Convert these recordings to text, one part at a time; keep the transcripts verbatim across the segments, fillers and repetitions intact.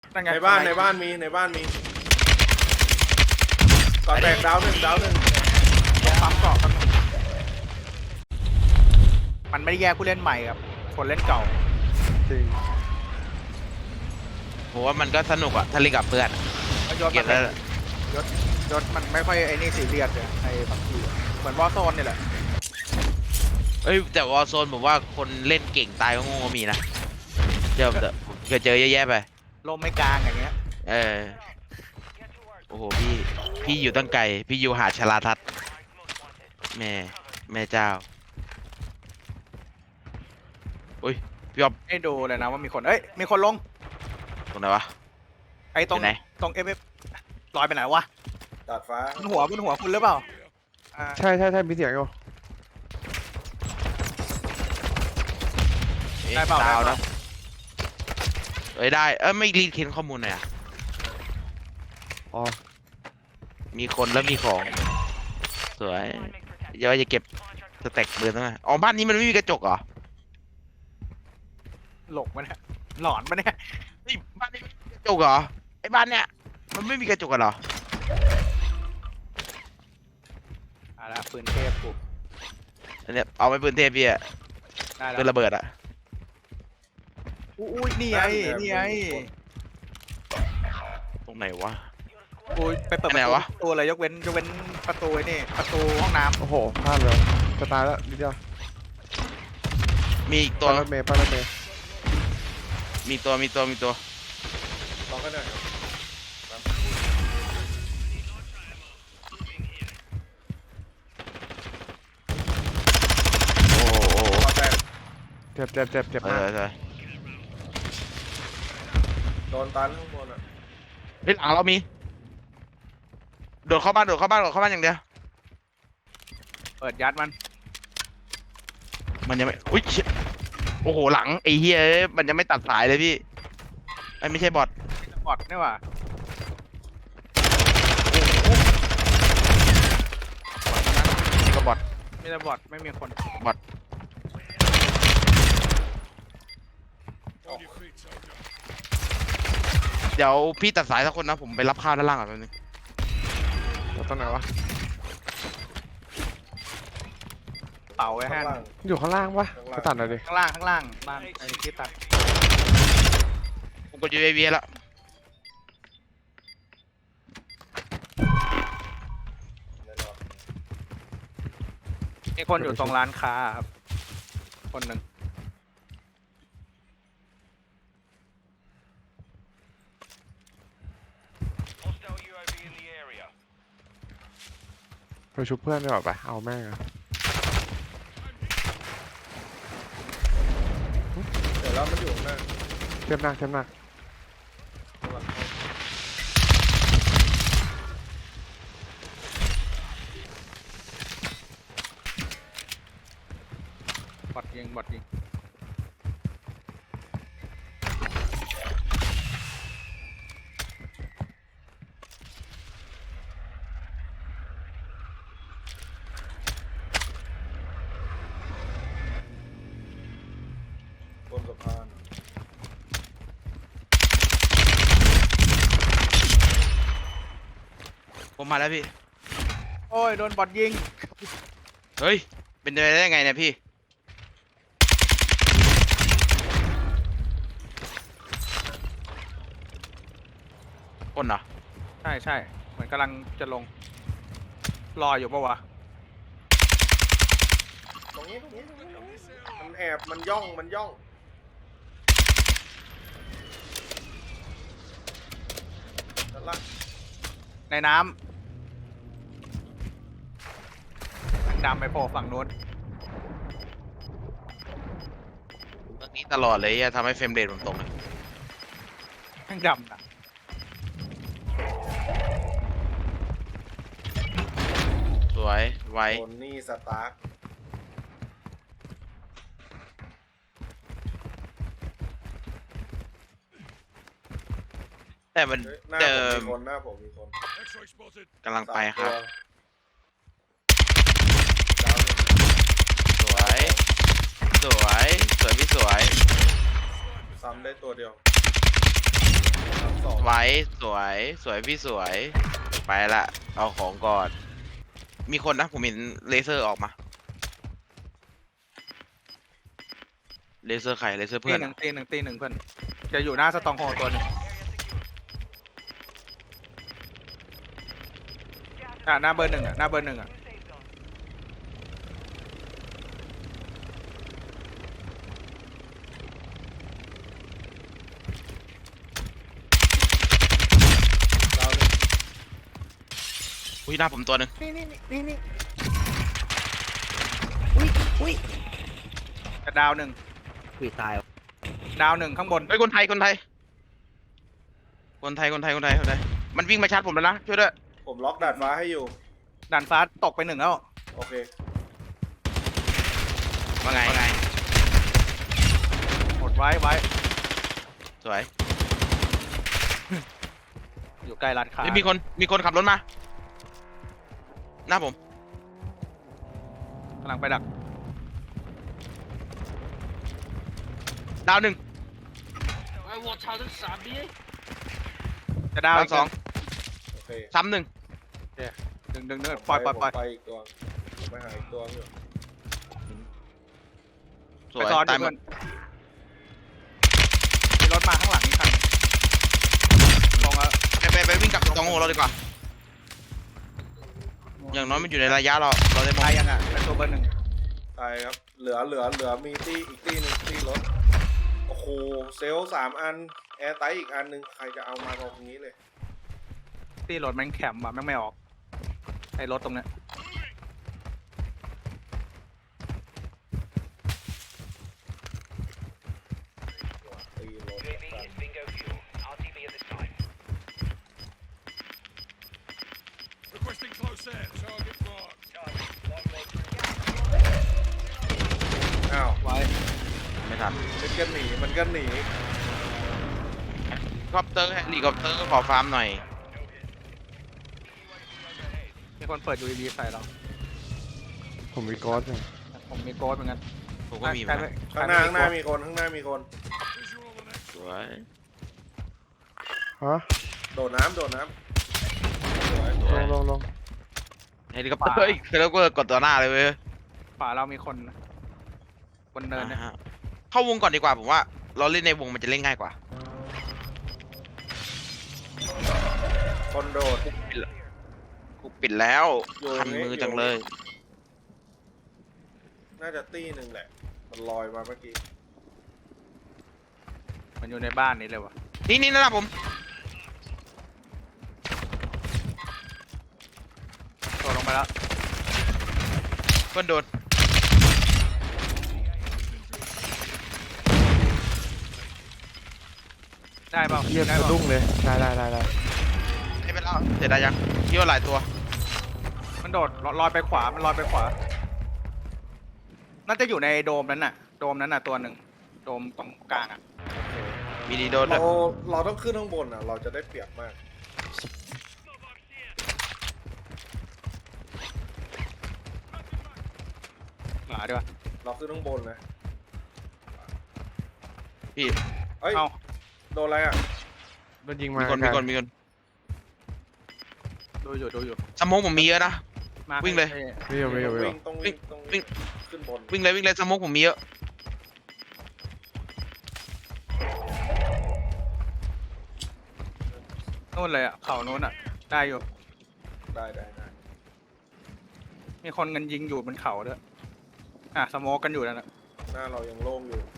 ในบ้านในบ้านมีในบ้านมีก่อนแตกดาวหนึ่งดาวหนึ่งปั๊มเกาะกันมันไม่ได้แยกผู้เล่นใหม่กับคนเล่นเก่าจริงผมว่ามันก็สนุกอะถ้าเล่นกับเพื่อนยศเก็มับนแล้วยศยศมันไม่ค่อยไอ้นี่ซีเรียสเลยไอ้บางทีเหมือนวอร์โซนนี่แหละเอ้ยแต่วอลโซนผมว่าคนเล่นเก่งตายก็โง่ก็มีนะเจอเจอเคยเจอเยอะแยะไปลมไม่กลางอย่างเงี้ยเออโอ้โหพี่พี่อยู่ตั้งไกลพี่อยู่หาดชลาทัศน์แม่แม่เจ้าอุ้ยพี่อ๊อฟให้ดูเลยนะว่ามีคนเอ้ยมีคนลงตรงไหนวะไอ้ตรงไปไหนตรงเอฟเอฟลอยไปไหนวะดาดฟ้าบนหัวบนหัวคุณหรือเปล่าอ่าใช่ใช่ใช่มีเสียงอยู่ได้เปล่าดาวได้เปล่านะเอ้ยได้เอ้ยไม่รีดเค้นข้อมูลหน่อยอะอ๋อมีคนแล้วมีของสวยเดี๋ยวจะเก็บสแต็กเบือนตั้งแต่อ๋อบ้านนี้มันไม่มีกระจกเหรอหลงมันยหลอนมันเนี่ยเฮ้ยบ้านนี้ไม่มีกระจกเหรอไอ้บ้านเนี้ยมันไม่มีกระจกกันเหรออ่าละปืนเทพกูอันเนี้ยเอาไปปืนเทพพี่อะได้แล้ปืนวระเบิดอะอุ้ยนี่ไงนี่ไงตรงไหนวะกูไปเปิดอันปไหนระตูวะตัวเลยยกเว้นยกเว้นประตูไอ้นี่ประตูห้องน้โอ้โหพลาดเลยจะตายแล้วนิดเดียวมีอีกตัวป้ายรถเมย์ป้ายรถเมย์มีตัวมีตัวมีตัวลองกันหน่อยโอ้โหโอ้โหก่อนแตกเจ็บเจ็บเจ็บเจ็บเอมากอใช่โดนตันข้างบนอ่ะเฮ้ยหลังเรามีโดดเข้าบ้านโดดเข้าบ้านโดดเข้าบ้านอย่างเดียวำเปิดยัดมันมันยังไม่อุ้ยเชี่ยโอ้โหหลังไอ้เฮียเอ้ยมันยังไม่ตัดสายเลยพี่ไอ้ยไม่ใช่บอทบอดนี่หว่านี่ก็บอทมีแต่บอดไม่มีคนบอทเดี๋ยวพี่ตัดสายสักคนนะผมไปรับข้าวด้านล่างก่อนแป๊บนึงแล้วตรงไหนวะเป่าไว้ข้าให้งล่างอยู่ข้างล่างปะไปตัดหน่อยดิข้างล่างข้างล่างบ้านไอ้ที่ตัดผมกด ยู เอ วี แล้วแน่นอนมีคนอยู่ตรงร้านค้าครับคนหนึ่งไปชุบเพื่อนดีกว่าไปเอาแม่งอะเดี๋ยวแล้วมันอยู่ข้างหน้าเจ็บหนักเจ็บหนักข้างหลังบอดยิงบอดยิงบนสะพานผมมาแล้วพี่โอ้ยโดนบอดยิงเฮ้ยเป็นไปได้ยังไงเนี่ยพี่คนเหรอใช่ใช่เหมือนกำลังจะลงรออยู่ปะวะตรงนี้ตรงนี้ตรงนี้ตรงนี้มันแอบมันย่องมันย่องด้านล่างในน้ำทางดำไปโผล่ฝั่งนู้นเรื่องนี้ตลอดเลยอะทำให้เฟรมเรทผมตกเลยทางดำนะสวยไวโดนนี่สตาร์คแต่มันเฮ้ยหน้าเจผอมมีคนหน้าผมมีคนกำลังไปครับสามตัวดาวหนึ่งสวย สวย สวยพี่สวยซ้ำได้ตัวเดียวสองสวยสวยสวยพี่สวยไปละเอาของก่อนมีคนนะผมเห็นเลเซอร์ออกมาเลเซอร์ใครเลเซอร์ตีเพื่อนหนึ่อะงตีหนึ่งตีหนึ่งเพื่อนจะอยู่หน้าสตองโฮตัวหนึงอ่ะหน้าเบอร์หนึ่งอ่ะหน้าเบอร์หนึ่งอ่ะเราเลยอุ้ยหน้าผมตัวหนึ่งนี่นี่นี่นี่อุ้ยอุ้ยจะดาวหนึ่งอุ้ยตายดาวหนึ่งข้างบนเฮ้ยคนไทยคนไทยคนไทยคนไทยคนไทยคนไทยมันวิ่งมาชาร์จผมแล้วนะช่วยด้วยผมล็อกดาดฟ้าให้อยู่ด่านฟ้าตกไปหนึ่งแล้วโอเคว่าไงหมดไว้ไว้สวยอยู่ใกล้ร้านค้าเฮ้ยมีคนมีคนขับรถมาหน้าผมกำลังไปดักดาวหนึ่งจะดาวดาวอีกสองโอเคซ้ำหนึ่งดึงดึงดึงปล่อยปล่อยปล่อยผมไปอีกตัวผมไปหาอีกตัวอยู่สไปวยซ้อนตาดิยหมเพื่อดนมีรถมาข้างหลังนี่คันลงแล้วไปไปไปวิ่งกลับตองโฮเราดีกว่าอย่างน้อยมันอยู่ในระยะเราเราได้มองตายยังอ่ะเป็นตัวเบอร์หนึ่งตายครับ เหลือเหลือเหลือมีตี้อีกตี้หนึ่งตี้รถ โอ้โห เซลล์สามอัน แอร์ไตอีกอันหนึ่งใครจะเอามาตรงนี้เลยที่รถแม่งแคมป์อ่ะแม่งไม่ออกไอ้รถตรงเนี้ยตีรถกัน อ้าวไว้ไม่ทันมันก็หนี มันก็หนีคอปเตอร์เฮลิคอปเตอร์ขอฟาร์มหน่อยมีคนเปิด ยู เอ วี ใส่เราผมมีโกสอยู่ผมมีโกดเหมือนกันผมก็มีเหใคมืรอนไม่กันข้างหน้าใครข้างหน้าไมีคน ข้างหน้ามีคนสวยฮะโดดน้ำโดดน้ำสวยลงลงลงเฮลิคอปเตอร์อีกเฮลิคอปเตอร์กดตัวหน้าเลยเว้ยขวาเรามีคนนะบนเนินเนี่ยอ่าฮะเข้าวงก่อนดีกว่าผมว่าเราเล่นในวงมันจะเล่นง่ายกว่าคนโดดกูปิดแล้วอยู่คันนี่มืออยู่จังเลยน่าจะตี้หนึ่งแหละ มันลอยมาเมื่อกี้มันอยู่ในบ้านนี้เลยวะนี่นี่นะผมตัวลงไปแล้วเพื่อนโดนได้เปล่าเรียบได้สะเปล่าดุ้งเลยได้ได้ได้ได้ให้ไปแล้วเสร็จได้ยังพี่ว่าหลายตัวมันโดดลอยไปขวามันลอยไปขวาน่าจะอยู่ในโดมนั้นน่ะ โดมนั้นน่ะตัวหนึ่งโดมตรงกลางอ่ะมีดีโดนด้เราวยเราต้องขึ้นข้างบนอ่ะ เราจะได้เปรียบมากหมาดีกว่าเราขึ้นข้างบนนะพี่เอ้ยเอาโดนอะไรอ่ะโดนยิงมามีคนไกมีลคนมีคนดูอยู่ดูอยู่สมองผมมีเยอะนะมาวิ่งเลยไม่อยู่ไม่อยู่ไม่อยู่วิ่งต้องวิ่งต้องวิ่วิ่งงขึ้นบนวิ่งเลยวิ่งเลยสมองผมมีเยอะนู่นเลยอ่ะเขานู้นอ่ะ ได้อยู่ได้ได้ได้มีคนกันยิงอยู่บนเขาด้วยอ่ะสโมกกันอยู่นั่นแหละหน้าเรายังโล่งอยู่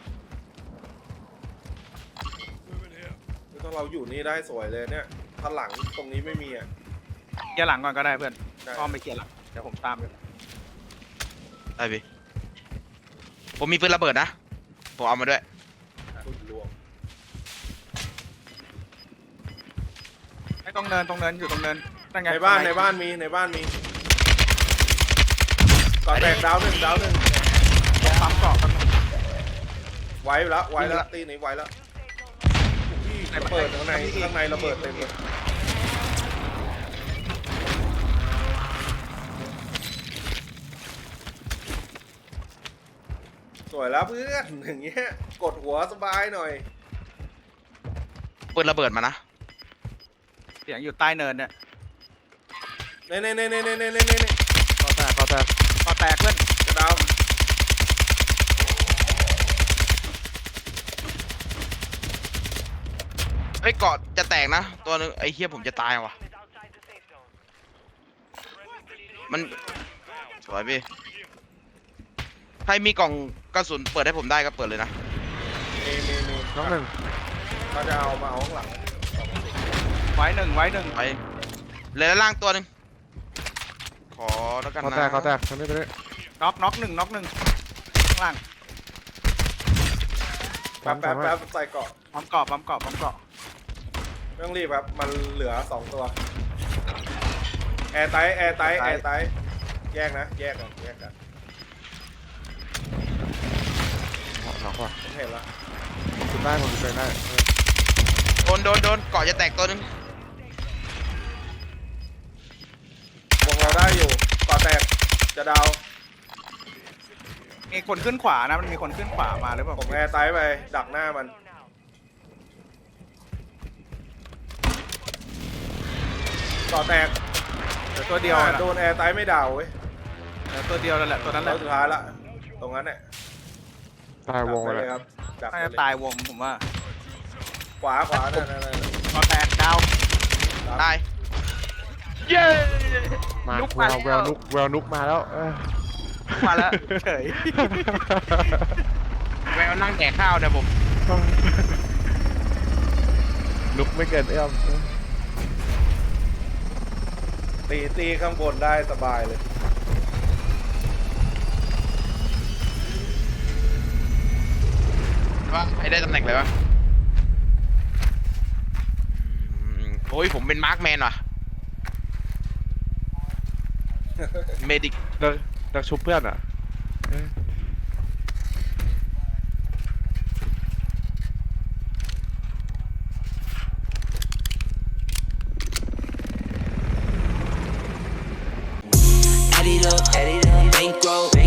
ถ้าเราอยู่นี่ได้สวยเลยเนี่ยถ้าหลังตรงนี้ไม่มีอ่ะเคลียร์หลังก่อนก็ได้เพื่อนได้อ้อมไปเคลียร์หลังเดี๋ยวผมตามไปได้พี่ผมมีปืนระเบิดนะผมเอามาด้วยคุณรวมไอ้ตรงเนินตรงเนินอยู่ตรงเนินนั่นไงในบ้านในบ้านมีในบ้านมีก่อนแตกดาวหนึ่งดาวหนึ่งปั๊มเกาะกันไว้แล้วไว้แล้วตีนี้ไว้แล้วระเบิดข้างในข้างในระเบิดเต็มเลยสวยแล้วเพื่อนอย่างเงี้ยกดหัวสบายหน่อยปืนระเบิดมานะเสียงอยู่ใต้เนินเนี่ยเน่เน่เน่เน่เน่เน่เน่เน่ก็แตกก็แตกก็แตกเพื่อนกระดาวเฮ้ยเกาะจะแตกนะ ตัวนึงไอ้เฮียผมจะตายว่ะ มันสวยพี่ใครมีกล่องกระสุนเปิดให้ผมได้ก็เปิดเลยนะมีมีมีน้องหนึ่งเขาจะเอามาเอาข้างหลังไว้หนึ่งไว้หนึ่งไปเหลือด้านล่างตัวหนึ่งขอแล้วกันก็นะแตกก็แตกตรงนี้ตรงนี้น็อกน็อกหนึ่งน็อกหนึ่งข้างล่างแป๊บแป๊บแป๊บใส่เกาะปั๊มเกาะปั๊มเกาะปั๊มเกาะไม่ต้องรีบครับมันเหลือสองตัวแอร์ไตแอร์ไตแอร์ไตแยกนะแยกกันแยกกันหลังว่ะผมเห็นแล้วจุดได้ผมจุดได้เออโดนโดนโดนเกาะจะแตกตัวหนึ่งวงเราได้อยู่เกาะแตกจะดาวมีคนขึ้นขวานะมันมีคนขึ้นขวามาหรือเปล่าผมแอร์ไตไปดักหน้ามันเกาะแตกเหลือตัวเดียวอ่านะโดนแอร์ไตไม่ดาวเว้ยเหลือตัวเดียวนั่นแหละตัวนั้นแหแล้ละวสุดท้ายละตรงนั้นเนี่ยตายวงดักเลไปเลย ยครับดักไปน่าจะเลยตายวงผมว่าขวาขวานั่นนั่นนั่นก็แตกดาวตายเย้มาลุกแวมาวแววนุกแววนุกมาแล้วเออมาแล้วเฉยแววนั่งแดกข้าวเนี่ยผมนุกไม่เกินเอื้อมเออตีตีข้างบนได้สบายเลยว่าให้ได้ตำแหน่งเลยวะอืมโอ้ยผมเป็นมาร์คแมนว่ะเมดิกเลิกเลิกชุบเพื่อนอ่ะเออ Add it up, add it up, bankroll.